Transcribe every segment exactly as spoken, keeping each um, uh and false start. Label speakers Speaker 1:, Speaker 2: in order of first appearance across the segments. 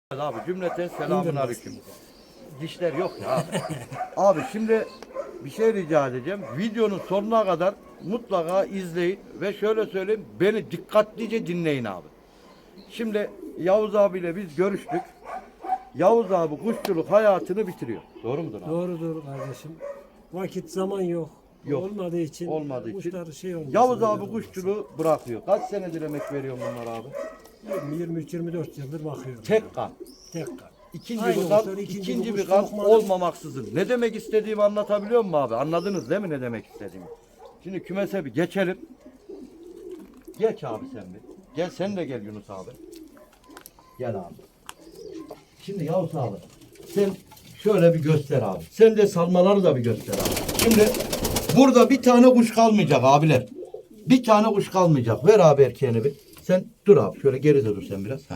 Speaker 1: Abi cümleten selamun aleyküm. Dişler yok ya abi. Abi şimdi bir şey rica edeceğim. Videonun sonuna kadar mutlaka izleyin ve şöyle söyleyeyim, beni dikkatlice dinleyin abi. Şimdi Yavuz abiyle biz görüştük. Yavuz abi kuşçuluk hayatını bitiriyor. Doğru mudur abi?
Speaker 2: Doğrudur kardeşim. Vakit zaman yok.
Speaker 1: Yok.
Speaker 2: Olmadığı için
Speaker 1: Olmadığı için.
Speaker 2: kuşlar şey olmuş.
Speaker 1: Yavuz abi kuşçuluğu bırakıyor. Kaç senedir emek veriyor bunlar abi?
Speaker 2: yirmi üç yirmi dört yıldır bakıyorum.
Speaker 1: Tek kan.
Speaker 2: Tek kan.
Speaker 1: İkinci
Speaker 2: Aynı
Speaker 1: bir kan,
Speaker 2: kuşlar, ikinci
Speaker 1: ikinci
Speaker 2: bir
Speaker 1: bir
Speaker 2: kuş
Speaker 1: kan
Speaker 2: sokmadı.
Speaker 1: olmamaksızın. Ne demek istediğimi anlatabiliyor muyum abi? Anladınız değil mi ne demek istediğimi? Şimdi kümese bir geçelim. Geç abi sen bir. Gel sen de gel Yunus abi. Gel abi. Şimdi Yavuz abi sen şöyle bir göster abi. Sen de salmaları da bir göster abi. Şimdi burada bir tane kuş kalmayacak abiler. Bir tane kuş kalmayacak. Ver abi erkeğini bir. Sen dur abi şöyle geride dur sen biraz. Heh.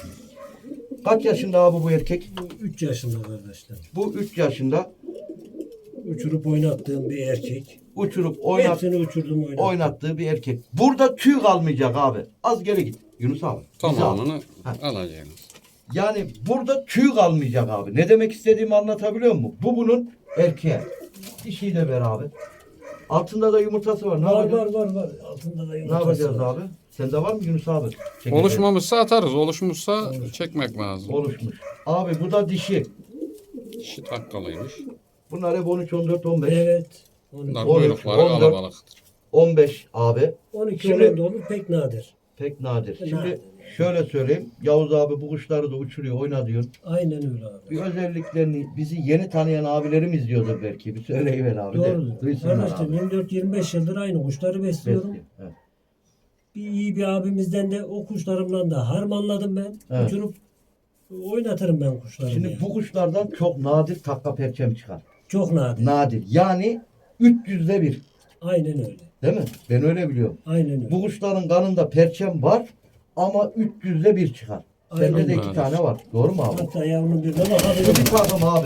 Speaker 1: Kaç yaşında abi bu erkek?
Speaker 2: üç yaşında kardeşler.
Speaker 1: Bu üç yaşında
Speaker 2: Uçurup oynattığım bir erkek.
Speaker 1: uçurup oynat,
Speaker 2: Hepsini uçurdum oynattım.
Speaker 1: oynattığı bir erkek. Burada tüy kalmayacak abi. Az geri git Yunus abi. Bizi al.
Speaker 3: Tamamını
Speaker 1: Ha.
Speaker 3: alacaksınız.
Speaker 1: Yani burada tüy kalmayacak abi. Ne demek istediğimi anlatabiliyor muyum? Bu bunun erkeği. Dişiyi de ver abi. Altında da yumurtası var. Ne
Speaker 2: Var
Speaker 1: yapacağız?
Speaker 2: var var var. Altında da
Speaker 1: Ne
Speaker 2: yumurtası
Speaker 1: yapacağız
Speaker 2: var.
Speaker 1: abi? Sende var mı Yunus abi? Çekeceğiz.
Speaker 3: Oluşmamışsa atarız. Oluşmuşsa çekmek lazım.
Speaker 1: Oluşmuş. Abi bu da dişi.
Speaker 3: Dişi takkalıymış.
Speaker 1: Bunlar hep on üç, on dört, on beş.
Speaker 2: Evet.
Speaker 3: Bunlar
Speaker 1: on üç,
Speaker 3: kuyrukları
Speaker 1: on dört.
Speaker 3: kalabalıktır.
Speaker 1: on beş abi.
Speaker 2: on iki
Speaker 1: Şimdi-
Speaker 2: olan da olur pek nadir.
Speaker 1: Pek nadir. Şimdi
Speaker 2: Nadir.
Speaker 1: şöyle söyleyeyim. Yavuz abi bu kuşları da uçuruyor, oynatıyor.
Speaker 2: Aynen öyle abi.
Speaker 1: Bir özelliklerini bizi yeni tanıyan abilerim izliyordur belki. Bir söyleyiver abi de.
Speaker 2: Doğrudur.
Speaker 1: Duysunlar
Speaker 2: Kardeşim
Speaker 1: abi.
Speaker 2: yirmi dört yirmi beş yıldır aynı kuşları besliyorum.
Speaker 1: Besliyor. Evet.
Speaker 2: Bir iyi bir abimizden de o kuşlarımdan da harmanladım ben.
Speaker 1: Evet.
Speaker 2: Uçurup oynatırım ben kuşlarımı.
Speaker 1: Şimdi
Speaker 2: yani.
Speaker 1: bu kuşlardan çok nadir takka perçem çıkar.
Speaker 2: Çok nadir.
Speaker 1: Nadir. Yani üç yüzde bir.
Speaker 2: Aynen öyle.
Speaker 1: Değil mi? Ben öyle biliyorum.
Speaker 2: Aynen öyle.
Speaker 1: Bu kuşların kanında perçem var ama üç yüzde bir çıkar. Sende
Speaker 2: Aynen.
Speaker 1: de iki tane var. Doğru mu abi?
Speaker 2: Hatta yavrunun birine
Speaker 1: Şu
Speaker 2: bakabilirim.
Speaker 1: bir takım abi.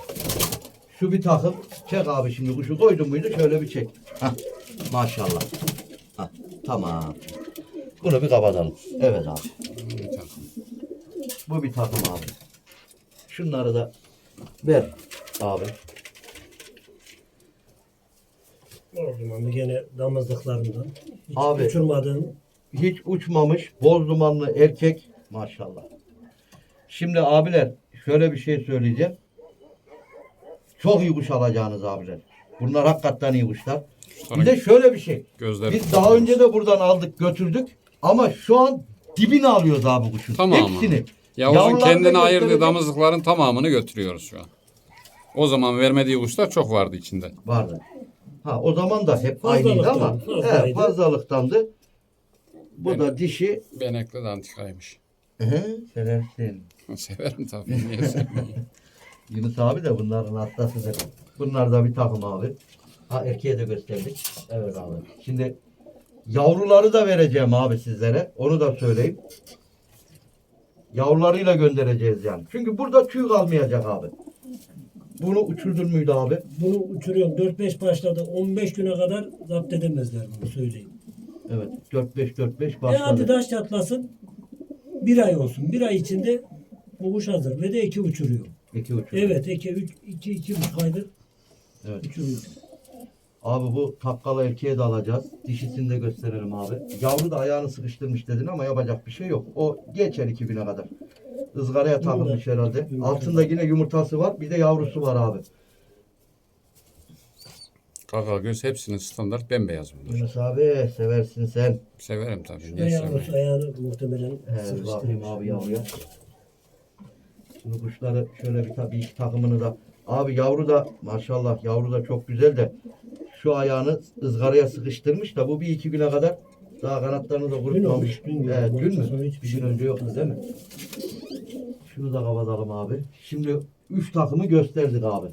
Speaker 1: Şu bir takım. Çek abi şimdi kuşu koydun muydu şöyle bir çek. Hah. Maşallah. Hah. Tamam. Bunu bir kapatalım. Evet abi.
Speaker 3: Bir takım.
Speaker 1: Bu bir takım abi. Şunları da ver abi.
Speaker 2: O zaman gene damızlıklarımdan. Hiç
Speaker 1: Abi.
Speaker 2: uçurmadığım.
Speaker 1: Hiç uçmamış boz dumanlı erkek maşallah. Şimdi abiler şöyle bir şey söyleyeceğim. Çok iyi kuş alacağınız abiler. Bunlar hakikaten iyi kuşlar. Bir de şöyle bir şey.
Speaker 3: Gözleri
Speaker 1: Biz daha önce de buradan aldık götürdük. Ama şu an dibini alıyoruz abi kuşun.
Speaker 3: Tamamını.
Speaker 1: Hepsini.
Speaker 3: Yavuzun
Speaker 1: Yavrularını
Speaker 3: kendine
Speaker 1: da
Speaker 3: ayırdığı
Speaker 1: gösterecek.
Speaker 3: damızlıkların tamamını götürüyoruz şu an. O zaman vermediği kuşlar çok vardı içinde.
Speaker 1: Vardı. Ha o zaman da hep
Speaker 2: Fazlalıktan,
Speaker 1: aynıydı ama
Speaker 2: fazlaydı.
Speaker 1: he, fazlalıktandı. Bu
Speaker 3: Evet.
Speaker 1: da dişi.
Speaker 3: Benekli de antikaymış.
Speaker 1: Hı, seversin.
Speaker 3: Severim tabii. Niye sevmeyeyim?
Speaker 1: Yunus abi de bunların hastasıdır. Bunlar da bir takım abi. Ha erkeğe de gösterdik. Evet abi. Şimdi yavruları da vereceğim abi sizlere. Onu da söyleyeyim. Yavrularıyla göndereceğiz yani. Çünkü burada tüy kalmayacak abi. Bunu uçurdun muydu abi?
Speaker 2: Bunu uçuruyorum. dört beş başladı. on beş güne kadar zapt edemezler bunu söyleyeyim.
Speaker 1: Evet. dört beş dört beş
Speaker 2: E hadi
Speaker 1: başladı.
Speaker 2: taş çatlasın. Bir ay olsun. Bir ay içinde bu kuş hazır. Ve de iki uçuruyor.
Speaker 1: İki uçurdu.
Speaker 2: Evet. iki, üç, iki, iki buçuk aydır
Speaker 1: Evet.
Speaker 2: uçuruyor.
Speaker 1: Abi bu takkalı erkeğe de alacağız. Dişisini de gösterelim abi. Yavru da ayağını sıkıştırmış dedin ama yapacak bir şey yok. O geçer iki bine kadar. Izgaraya takılmış herhalde. Altında yine yumurtası var. Bir de yavrusu var abi.
Speaker 3: Kaka göz hepsinin standart bembeyaz bunlar.
Speaker 1: Yunus abi seversin sen.
Speaker 3: Severim tabii.
Speaker 2: Ve
Speaker 3: Niye
Speaker 2: yavrusu
Speaker 3: sevmeyeyim?
Speaker 2: ayağını muhtemelen
Speaker 1: He, bakayım
Speaker 2: sıkıştırmış.
Speaker 1: abi yavruya. Şimdi kuşları şöyle bir tabii iki takımını da. Abi yavru da maşallah yavru da çok güzel de şu ayağını ızgaraya sıkıştırmış da bu bir iki güne kadar daha kanatlarını da kurutmamış.
Speaker 2: olmuş, dün
Speaker 1: He,
Speaker 2: olmuş.
Speaker 1: dün
Speaker 2: Ondan sonra
Speaker 1: mü?
Speaker 2: hiçbir
Speaker 1: Bir
Speaker 2: şey
Speaker 1: gün
Speaker 2: yok.
Speaker 1: önce yoktu değil mi? Şunu da kapatalım abi. Şimdi üç takımı gösterdik abi.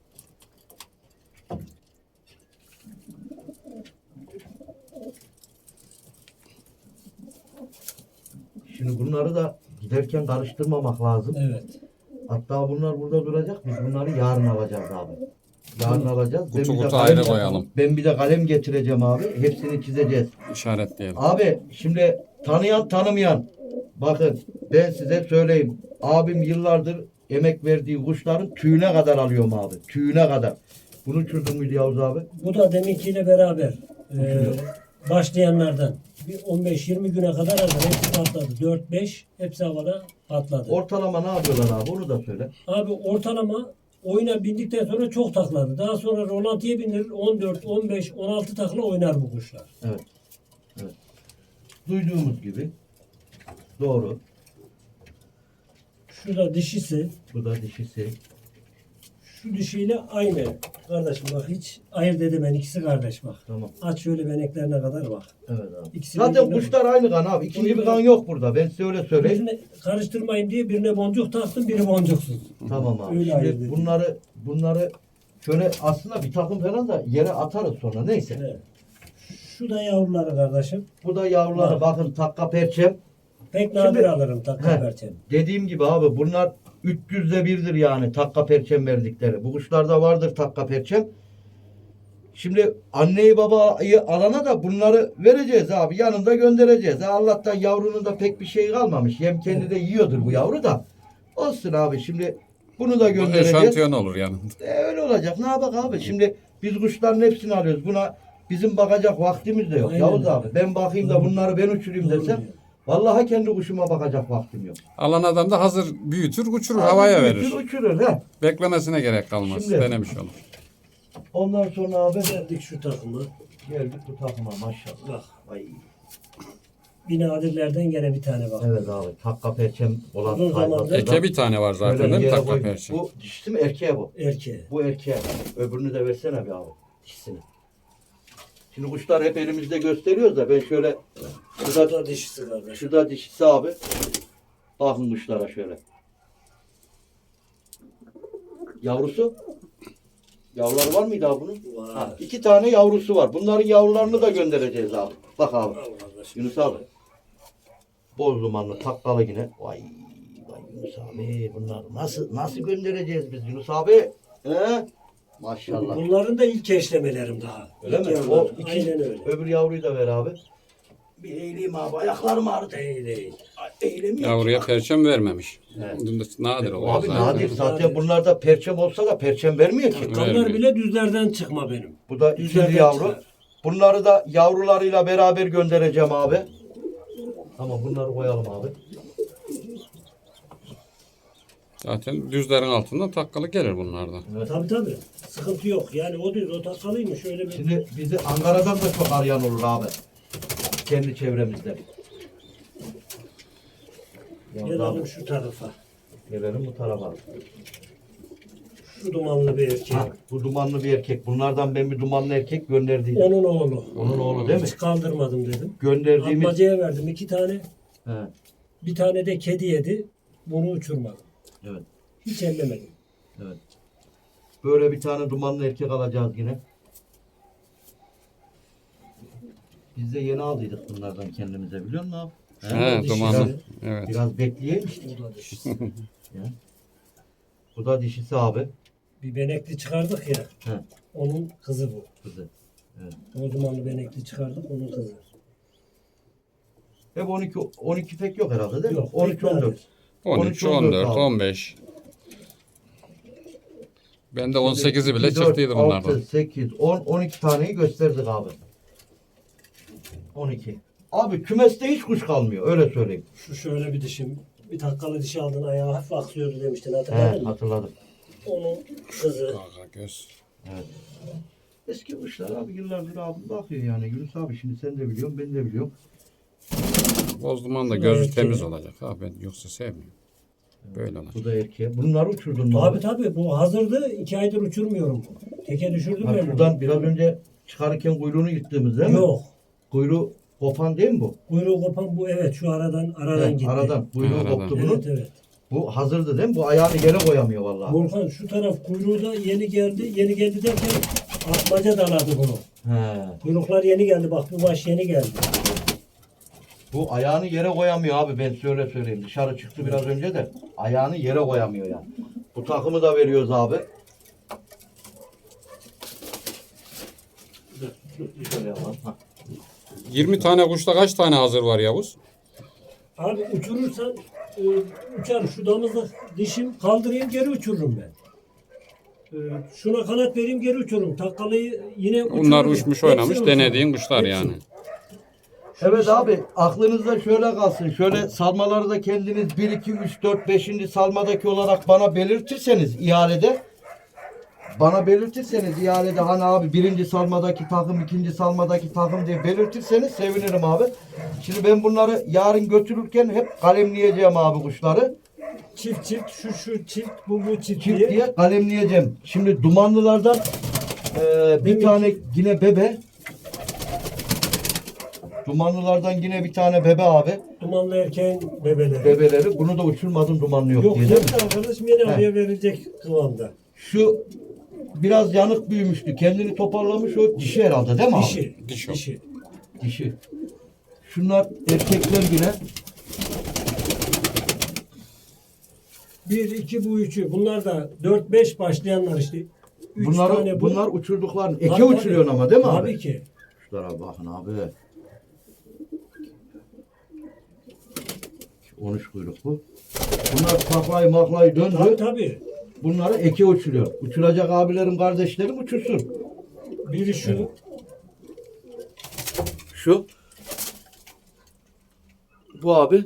Speaker 1: Şimdi bunları da giderken karıştırmamak lazım.
Speaker 2: Evet.
Speaker 1: Hatta bunlar burada duracak. Biz bunları yarın alacağız abi. Yarın alacağız.
Speaker 3: Kutu
Speaker 1: bir de
Speaker 3: kutu
Speaker 1: kalem
Speaker 3: ayrı
Speaker 1: yapalım.
Speaker 3: koyalım.
Speaker 1: Ben bir de kalem getireceğim abi. Hepsini çizeceğiz.
Speaker 3: İşaretleyelim.
Speaker 1: Abi şimdi tanıyan tanımayan Bakın ben size söyleyeyim. Abim yıllardır emek verdiği kuşların tüyüne kadar alıyorum abi. Tüyüne kadar. Bunu uçurdun muydu Yavuz abi?
Speaker 2: Bu da deminkiyle beraber e, başlayanlardan bir on beş yirmi güne kadar hazır. Hepsi patladı. dört beş hepsi havada patladı.
Speaker 1: Ortalama ne yapıyorlar abi? Onu da söyle.
Speaker 2: Abi ortalama oyuna bindikten sonra çok takladı. Daha sonra rolantiye bindirir. on dört, on beş, on altı takla oynar bu kuşlar.
Speaker 1: Evet. Evet. Duyduğumuz gibi. Doğru.
Speaker 2: Şu da dişisi.
Speaker 1: Bu da dişisi.
Speaker 2: Şu dişiyle aynı. Kardeşim bak hiç ayırt edemem. İkisi kardeş bak.
Speaker 1: Tamam.
Speaker 2: Aç şöyle beneklerine kadar bak.
Speaker 1: Evet abi.
Speaker 2: İkisi
Speaker 1: Zaten
Speaker 2: birbirine
Speaker 1: kuşlar aynı kan abi. İkinci bir kan yok burada. Ben size öyle söyleyeyim.
Speaker 2: Birine karıştırmayayım diye birine boncuk taktım, biri boncuksuz.
Speaker 1: Tamam abi.
Speaker 2: Öyle ayırt
Speaker 1: Şimdi
Speaker 2: edeyim.
Speaker 1: bunları bunları şöyle aslında bir takım falan da yere atarız sonra. Neyse.
Speaker 2: Evet. Şu da yavruları kardeşim.
Speaker 1: Bu da yavruları
Speaker 2: Bak.
Speaker 1: bakın takka perçem.
Speaker 2: Pek nadir
Speaker 1: Şimdi-
Speaker 2: alırım takla
Speaker 1: He.
Speaker 2: perçem.
Speaker 1: Dediğim gibi abi bunlar üç yüzde birdir yani takka perçem verdikleri. Bu kuşlarda vardır takka perçem. Şimdi anneyi babayı alana da bunları vereceğiz abi. Yanında göndereceğiz. Ha, Allah'tan yavrunun da pek bir şey kalmamış. Yem kendi de yiyordur bu yavru da. Olsun abi şimdi bunu da
Speaker 3: Bu
Speaker 1: göndereceğiz.
Speaker 3: eşantiyon olur yanında.
Speaker 1: E, öyle olacak. Ne yapak abi? Şimdi biz kuşların hepsini alıyoruz. Buna bizim bakacak vaktimiz de yok.
Speaker 2: Aynen
Speaker 1: Yavuz
Speaker 2: öyle.
Speaker 1: abi ben bakayım da
Speaker 2: Doğru.
Speaker 1: bunları ben uçurayım
Speaker 2: Doğru
Speaker 1: desem
Speaker 2: diyor.
Speaker 1: vallahi kendi kuşuma bakacak vaktim yok.
Speaker 3: Alan adam da hazır büyütür, uçurur, havaya
Speaker 1: Büyütür,
Speaker 3: verir.
Speaker 1: Uçurur ha.
Speaker 3: Beklemesine gerek kalmaz.
Speaker 1: Şimdi-
Speaker 3: Denemiş olur.
Speaker 1: Ondan sonra abi
Speaker 2: Geldik şu takımı.
Speaker 1: geldik bu takıma maşallah.
Speaker 2: Bak.
Speaker 1: Ay.
Speaker 2: Bir nadirlerden gene bir tane bak.
Speaker 1: Evet abi takka perçem olan
Speaker 2: Uzun zamandır-
Speaker 1: tayfasında
Speaker 3: Eke bir tane var zaten
Speaker 1: böyle
Speaker 3: değil mi
Speaker 1: yere
Speaker 3: takla
Speaker 1: koy-
Speaker 3: perçin?
Speaker 1: Bu dişisi mi erkeğe bu?
Speaker 2: Erkeğe.
Speaker 1: Bu erkeğe. Öbürünü de versene bir abi. Dişisini. Şimdi kuşlar hep elimizde gösteriyoruz da ben şöyle
Speaker 2: Bu
Speaker 1: şurada,
Speaker 2: da dişisi kardeş.
Speaker 1: şurada dişisi abi. Bakın kuşlara şöyle. Yavrusu? Yavruları var mıydı abi bunun?
Speaker 2: Var.
Speaker 1: Ha, iki tane yavrusu var. Bunların yavrularını da göndereceğiz abi. Bak abi.
Speaker 2: Al kardeşim.
Speaker 1: Yunus abi. Boz dumanlı taklalı yine. Vay vay Yunus abi. Bunlar nasıl nasıl göndereceğiz biz Yunus abi? He? Maşallah.
Speaker 2: Bunların da ilk eşlemelerim daha.
Speaker 1: Öyle
Speaker 2: İlk
Speaker 1: mi?
Speaker 2: yavrular.
Speaker 1: O iki,
Speaker 2: Aynen öyle.
Speaker 1: öbür yavruyu da ver abi. Bir eğileyim abi. Ayaklarım ağrıdı.
Speaker 2: Değil değil.
Speaker 1: Ay, Eğilemiyorum.
Speaker 3: Yavruya perçem vermemiş.
Speaker 1: Evet.
Speaker 3: Bunda nadir oluyor
Speaker 1: Abi
Speaker 3: zaten.
Speaker 1: nadir. Zaten bunlarda perçem olsa da perçem vermiyor ki.
Speaker 3: Evet.
Speaker 2: Kanlar bile düzlerden çıkma benim.
Speaker 1: Bu da
Speaker 2: Düzlerden
Speaker 1: ikinci yavru.
Speaker 2: çıkar.
Speaker 1: Bunları da yavrularıyla beraber göndereceğim abi. Tamam bunları koyalım abi.
Speaker 3: Zaten düzlerin altından takkalı gelir bunlardan.
Speaker 2: Tabii tabii. Sıkıntı yok. Yani o düz o takalıymış öyle bir.
Speaker 1: Şimdi bizi Ankara'dan da çok arayan olur abi. Kendi çevremizde. Yalnız abi,
Speaker 2: Gelelim şu tarafa.
Speaker 1: gelelim bu tarafa.
Speaker 2: Şu dumanlı bir erkek.
Speaker 1: Ha, bu dumanlı bir erkek. Bunlardan ben bir dumanlı erkek gönderdiydim.
Speaker 2: Onun oğlu.
Speaker 1: Onun oğlu değil mi?
Speaker 2: Hiç kaldırmadım dedim.
Speaker 1: Gönderdiğimiz...
Speaker 2: Atmacaya verdim iki tane.
Speaker 1: He,
Speaker 2: Bir tane de kedi yedi. Bunu uçurmadım.
Speaker 1: evet,
Speaker 2: Hiç ellemedim.
Speaker 1: evet. Böyle bir tane dumanlı erkek alacağız yine. Biz de yeni aldıydık bunlardan kendimize biliyor musun abi?
Speaker 3: He,
Speaker 2: dişisi.
Speaker 3: dumanlı. Evet.
Speaker 1: Biraz bekleyelim.
Speaker 2: Bu da dişisi.
Speaker 1: Ya. Bu da dişisi abi.
Speaker 2: Bir benekli çıkardık ya.
Speaker 1: He,
Speaker 2: Onun kızı bu.
Speaker 1: kızı.
Speaker 2: O dumanlı benekli çıkardık. Onun kızı.
Speaker 1: Hep on iki, on iki pek yok herhalde değil mi?
Speaker 2: Yok.
Speaker 1: on üç on dört.
Speaker 3: on üç, on dört, on beş. Ben de on sekizi bile çıktıydı bunlardan.
Speaker 1: altı, sekiz, on, on iki taneyi gösterdik abi. on iki. Abi kümeste hiç kuş kalmıyor öyle söyleyeyim.
Speaker 2: Şu şöyle bir dişim. Bir takkalı dişi aldın ayağı hafif aksıyordu demiştin
Speaker 1: He,
Speaker 2: hatırladın mı?
Speaker 1: hatırladım.
Speaker 2: Onun kızı.
Speaker 3: Kaka göz.
Speaker 1: Evet. Eski kuşlar abi yıllardır abi bakıyor yani Yunus abi şimdi sen de biliyorsun ben de biliyorum.
Speaker 3: Boz duman da
Speaker 2: Şu
Speaker 3: gözü
Speaker 2: erkeği.
Speaker 3: temiz olacak. Ha ben yoksa sevmiyorum. Böyle olacak.
Speaker 1: Bu da erkeğe. Bunları uçurdun mu
Speaker 2: Tabii
Speaker 1: abi?
Speaker 2: tabii bu hazırdı. iki aydır uçurmuyorum. Teke düşürdüm
Speaker 1: Ha,
Speaker 2: ben.
Speaker 1: şuradan biraz önce çıkarırken kuyruğunu yırttığımız değil mi?
Speaker 2: Yok.
Speaker 1: Kuyruğu kopan değil mi bu?
Speaker 2: Kuyruğu kopan bu evet şu aradan aradan
Speaker 1: Evet,
Speaker 2: gitti.
Speaker 1: aradan. Kuyruğu
Speaker 3: Aradan.
Speaker 1: koptu bunun.
Speaker 2: Evet evet.
Speaker 1: Bu hazırdı değil mi? Bu ayağını yere koyamıyor vallahi.
Speaker 2: Volkan şu taraf kuyruğu da yeni geldi. Yeni geldi derken atmaca daladı bunu.
Speaker 1: He.
Speaker 2: Kuyruklar yeni geldi. Bak bu baş yeni geldi.
Speaker 1: Bu ayağını yere koyamıyor abi ben söyle söyleyeyim. Dışarı çıktı biraz önce de ayağını yere koyamıyor yani. Bu takımı da veriyoruz abi. Şöyle yapalım. Ha.
Speaker 3: yirmi tane kuşta kaç tane hazır var Yavuz?
Speaker 2: Abi uçurursan e, uçar. Şu damızlık dişim kaldırayım geri uçururum ben. E, şuna kanat vereyim geri uçururum. Takkalıyı yine uçururum.
Speaker 3: Bunlar uçmuş
Speaker 2: Hepsini
Speaker 3: oynamış
Speaker 2: uçururum.
Speaker 3: denediğin kuşlar
Speaker 2: Hepsini.
Speaker 3: yani.
Speaker 1: Evet abi aklınızda şöyle kalsın. Şöyle salmaları da kendiniz bir, iki, üç, dört, beşinci salmadaki olarak bana belirtirseniz ihalede bana belirtirseniz ihalede hani abi birinci salmadaki takım, ikinci salmadaki takım diye belirtirseniz sevinirim abi. Şimdi ben bunları yarın götürürken hep kalemleyeceğim abi kuşları.
Speaker 2: Çift çift şu şu çift bu bu çift,
Speaker 1: Çift
Speaker 2: diye.
Speaker 1: diye kalemleyeceğim. Şimdi dumanlılardan e, bir
Speaker 2: Demek
Speaker 1: tane
Speaker 2: ki-
Speaker 1: yine bebe. Dumanlılardan yine bir tane bebe abi.
Speaker 2: Dumanlı erkeğin bebeleri.
Speaker 1: Bebeleri. Bunu da uçurmadım dumanlı yok,
Speaker 2: Yok
Speaker 1: diye
Speaker 2: yok
Speaker 1: değil mi?
Speaker 2: arkadaşım yine
Speaker 1: He.
Speaker 2: oraya verilecek kıvamda.
Speaker 1: Şu biraz yanık büyümüştü. Kendini toparlamış o dişi herhalde değil mi abi?
Speaker 2: Dişi.
Speaker 3: Diş o.
Speaker 2: Dişi.
Speaker 1: Dişi. Şunlar erkekler yine.
Speaker 2: Bir, iki bu üçü. Bunlar da dört beş başlayanlar işte. Üç
Speaker 1: Bunları,
Speaker 2: tane bu.
Speaker 1: bunlar uçurdukların. Eke
Speaker 2: Tabii,
Speaker 1: uçuruyorsun
Speaker 2: tabii.
Speaker 1: ama değil mi abi?
Speaker 2: Tabii ki.
Speaker 1: Şunlara bakın abi. on üç kuyruk bu. Bunlar taklayı maklayı döndü.
Speaker 2: Tabii tabii.
Speaker 1: Bunları eke uçuruyor. Uçuracak abilerim, kardeşlerim uçursun.
Speaker 2: Biri şu.
Speaker 1: Şu. Bu abi.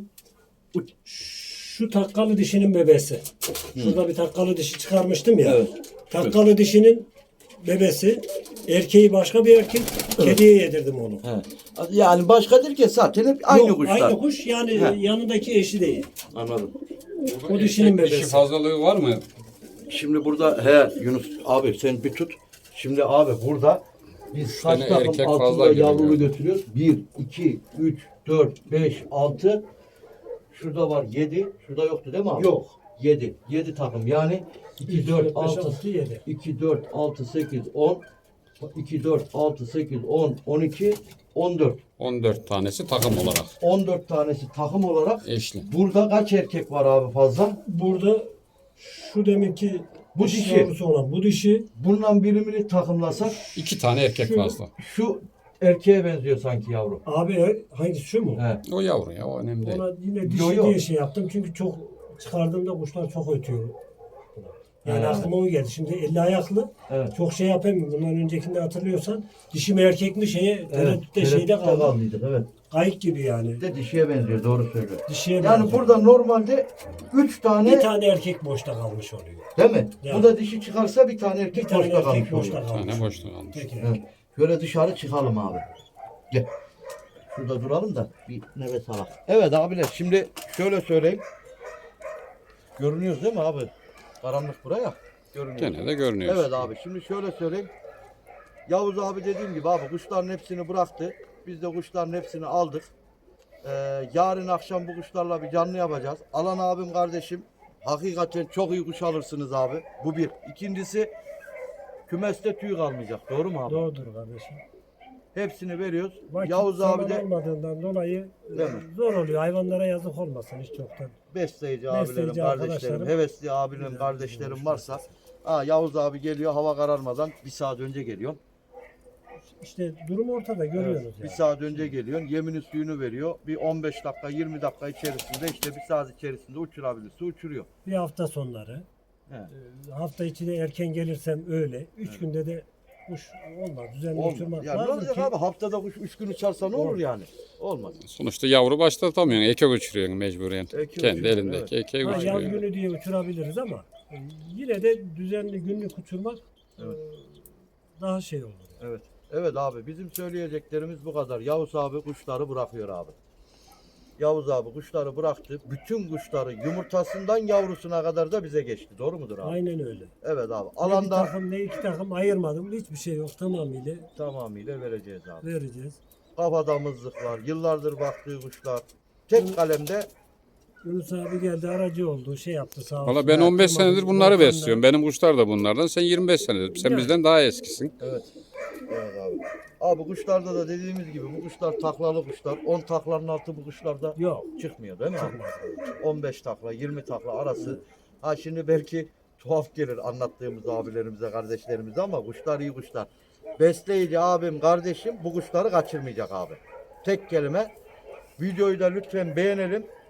Speaker 2: Şu takkalı dişinin bebesi. Şurada bir takkalı dişi çıkarmıştım ya.
Speaker 1: Evet.
Speaker 2: Takkalı dişinin bebesi. Erkeği başka bir erkek. Kediye yedirdim onu.
Speaker 1: He. Yani başka değil ki zaten hep aynı
Speaker 2: Yok,
Speaker 1: kuşlar.
Speaker 2: Aynı kuş yani
Speaker 1: He.
Speaker 2: yanındaki eşi değil.
Speaker 1: Anladım.
Speaker 2: O dişinin
Speaker 3: Erkek dişi
Speaker 2: bebesi.
Speaker 3: fazlalığı var mı?
Speaker 1: Şimdi burada he Yunus abi sen bir tut. Şimdi abi burada biz kaç
Speaker 3: tane
Speaker 1: takım
Speaker 3: erkek
Speaker 1: altında
Speaker 3: fazla gibi
Speaker 1: yavrulu
Speaker 3: görünüyor.
Speaker 1: götürüyoruz? bir, iki, üç, dört, beş, altı. Şurada var yedi. Şurada yoktu değil mi abi?
Speaker 2: Yok.
Speaker 1: yedi. yedi takım yani iki, dört, altı,
Speaker 2: altı, yedi.
Speaker 1: iki, dört, altı, sekiz, on. iki, dört, altı, sekiz, on, on iki, on dört.
Speaker 3: on dört tanesi takım olarak.
Speaker 1: on dört tanesi takım olarak.
Speaker 3: Eşli.
Speaker 1: Burada kaç erkek var abi fazla?
Speaker 2: Burada şu deminki
Speaker 1: Bu
Speaker 2: dişi
Speaker 1: dişi.
Speaker 2: yavrusu olan bu dişi
Speaker 1: Bundan birimini takımlasak
Speaker 3: İki tane erkek
Speaker 2: Şu-
Speaker 3: fazla.
Speaker 1: şu erkeğe benziyor sanki yavru.
Speaker 2: abi er- hangisi şu mu?
Speaker 1: He.
Speaker 3: O yavru ya o önemli değil.
Speaker 2: Ona yine dişi
Speaker 1: Yo, yo.
Speaker 2: diye şey yaptım çünkü çok çıkardığımda kuşlar çok ötüyor. Yani
Speaker 1: He.
Speaker 2: aklıma o geldi. Şimdi elli ayaklı
Speaker 1: Evet.
Speaker 2: çok şey yapamıyorum. Bundan öncekinde hatırlıyorsan dişi mi erkek mi şeye
Speaker 1: Evet.
Speaker 2: tereddütte şeyde
Speaker 1: tereddütte
Speaker 2: kaldı.
Speaker 1: kaldıydık, evet.
Speaker 2: Kayık gibi yani.
Speaker 1: Bir de dişiye benziyor doğru söylüyor.
Speaker 2: Dişiye
Speaker 1: Yani
Speaker 2: benziyor.
Speaker 1: burada normalde üç tane,
Speaker 2: bir tane erkek boşta kalmış oluyor.
Speaker 1: değil mi?
Speaker 2: Yani.
Speaker 1: Bu da dişi çıkarsa bir tane erkek
Speaker 2: Bir tane
Speaker 1: boşta
Speaker 2: erkek
Speaker 1: kalmış
Speaker 2: boşta
Speaker 1: oluyor.
Speaker 3: Bir
Speaker 2: kalmış.
Speaker 3: tane boşta kalmış.
Speaker 2: Peki.
Speaker 1: Evet. Şöyle dışarı çıkalım abi. Gel. Şurada duralım da bir nefes alalım. Evet abiler şimdi şöyle söyleyeyim. Görünüyoruz değil mi abi? Karanlık buraya. Görünüyor.
Speaker 3: Gene de görünüyor.
Speaker 1: Evet abi şimdi şöyle söyleyeyim. Yavuz abi dediğim gibi abi kuşların hepsini bıraktı. Biz de kuşların hepsini aldık. Ee, yarın akşam bu kuşlarla bir canlı yapacağız. Alan abim kardeşim hakikaten çok iyi kuş alırsınız abi. Bu bir. İkincisi kümeste tüy kalmayacak. Doğru mu abi?
Speaker 2: Doğrudur kardeşim.
Speaker 1: Hepsini veriyoruz.
Speaker 2: Vakit
Speaker 1: Yavuz abi
Speaker 2: zaman
Speaker 1: de
Speaker 2: olmadığından dolayı
Speaker 1: Değil mi?
Speaker 2: zor oluyor. Hayvanlara yazık olmasın hiç çoktan.
Speaker 1: besleyici abilerim,
Speaker 2: Besleyici
Speaker 1: kardeşlerim,
Speaker 2: arkadaşlarım.
Speaker 1: hevesli abilerim, kardeşlerim varsa ha, Yavuz abi geliyor hava kararmadan bir saat önce geliyor.
Speaker 2: İşte durum ortada görüyoruz
Speaker 1: Bir
Speaker 2: yani.
Speaker 1: saat önce geliyorsun. Yemini suyunu veriyor. Bir on beş dakika yirmi dakika içerisinde işte bir saat içerisinde uçurabilirse uçuruyor.
Speaker 2: Bir hafta sonları.
Speaker 1: He.
Speaker 2: e, Hafta içi de erken gelirsem öyle. Üç günde de kuş olmaz. Düzenli
Speaker 1: Olmaz.
Speaker 2: uçurmak
Speaker 1: Ya ne
Speaker 2: lazım
Speaker 1: olacak
Speaker 2: ki.
Speaker 1: abi? Haftada kuş üç gün uçarsa ne olur yani? Olmaz.
Speaker 3: Sonuçta yavru başlatamıyorsun. Eke uçuruyorsun mecburen.
Speaker 1: Eke
Speaker 3: Kendi
Speaker 1: uçuruyor,
Speaker 3: elindeki
Speaker 1: evet.
Speaker 3: ekeği
Speaker 2: Ha, yaz
Speaker 3: uçuruyorsun.
Speaker 2: günü diye uçurabiliriz ama e, yine de düzenli günlük uçurmak e, daha şey olur.
Speaker 1: Evet. Evet abi bizim söyleyeceklerimiz bu kadar. Yavuz abi kuşları bırakıyor abi. Yavuz abi kuşları bıraktı. Bütün kuşları yumurtasından yavrusuna kadar da bize geçti. Doğru mudur abi?
Speaker 2: Aynen öyle.
Speaker 1: Evet abi.
Speaker 2: Ne bir
Speaker 1: Alanda
Speaker 2: takım ne iki takım ayırmadım. Hiçbir şey yok. Tamamıyla
Speaker 1: tamamıyla vereceğiz abi.
Speaker 2: vereceğiz.
Speaker 1: Kafadamızlıklar, yıllardır baktığı kuşlar. Tek kalemde
Speaker 2: Yunus abi geldi aracı oldu. Şey yaptı sağ olsun.
Speaker 3: Valla ben on beş
Speaker 2: Yaptırmadı,
Speaker 3: senedir bunları
Speaker 2: Volkan'la.
Speaker 3: besliyorum. Benim kuşlar da bunlardan. Sen yirmi beş senedir. Sen
Speaker 2: Yani.
Speaker 3: bizden daha eskisin.
Speaker 1: evet. Evet abi. Abi kuşlarda da dediğimiz gibi bu kuşlar taklalı kuşlar. on taklanın altı bu kuşlarda
Speaker 2: Yok.
Speaker 1: çıkmıyor değil mi abi?
Speaker 2: Çıkmaz.
Speaker 1: on beş takla, yirmi takla arası. Ha şimdi belki tuhaf gelir anlattığımız abilerimize, kardeşlerimize ama kuşlar iyi kuşlar. Besleyici abim, kardeşim bu kuşları kaçırmayacak abi. Tek kelime. Videoyu da lütfen beğenelim.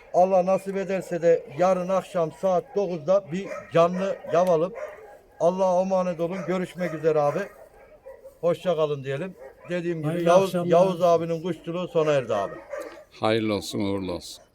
Speaker 1: Allah nasip ederse de yarın akşam saat dokuzda bir canlı yapalım. Allah'a emanet olun. Görüşmek üzere abi. Hoşça kalın diyelim. Dediğim gibi
Speaker 2: Hayırlı
Speaker 1: Yavuz,
Speaker 2: akşamlar.
Speaker 1: Yavuz abinin kuşçuluğu sona erdi abi.
Speaker 3: Hayırlı olsun, uğurlu olsun.